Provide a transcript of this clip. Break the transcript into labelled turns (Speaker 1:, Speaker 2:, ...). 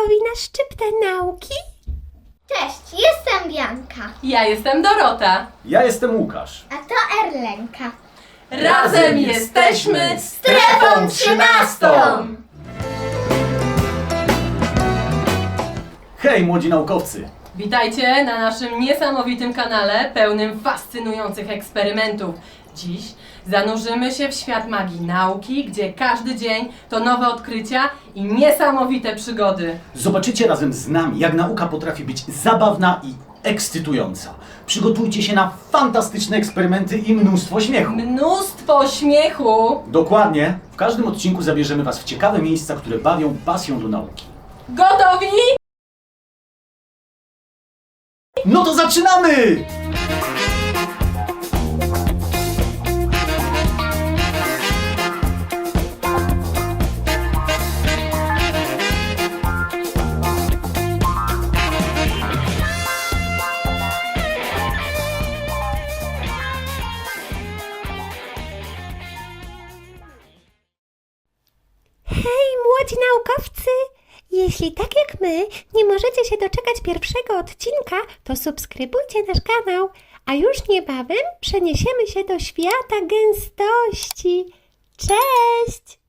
Speaker 1: gotowi na szczyptę nauki?
Speaker 2: Cześć, jestem Bianka.
Speaker 3: Ja jestem Dorota.
Speaker 4: Ja jestem Łukasz.
Speaker 2: A to Erlenka.
Speaker 3: Razem jesteśmy
Speaker 2: Strefą 13!
Speaker 4: Hej, młodzi naukowcy!
Speaker 3: Witajcie na naszym niesamowitym kanale pełnym fascynujących eksperymentów. Dziś zanurzymy się w świat magii nauki, gdzie każdy dzień to nowe odkrycia i niesamowite przygody.
Speaker 4: Zobaczycie razem z nami, jak nauka potrafi być zabawna i ekscytująca. Przygotujcie się na fantastyczne eksperymenty i mnóstwo śmiechu.
Speaker 3: Mnóstwo śmiechu.
Speaker 4: Dokładnie. W każdym odcinku zabierzemy Was w ciekawe miejsca, które bawią pasją do nauki.
Speaker 3: Gotowi?
Speaker 4: No to zaczynamy!
Speaker 1: Hej, młodzi naukowcy! Jeśli tak jak my nie możecie się doczekać pierwszego odcinka, to subskrybujcie nasz kanał, a już niebawem przeniesiemy się do świata gęstości. Cześć!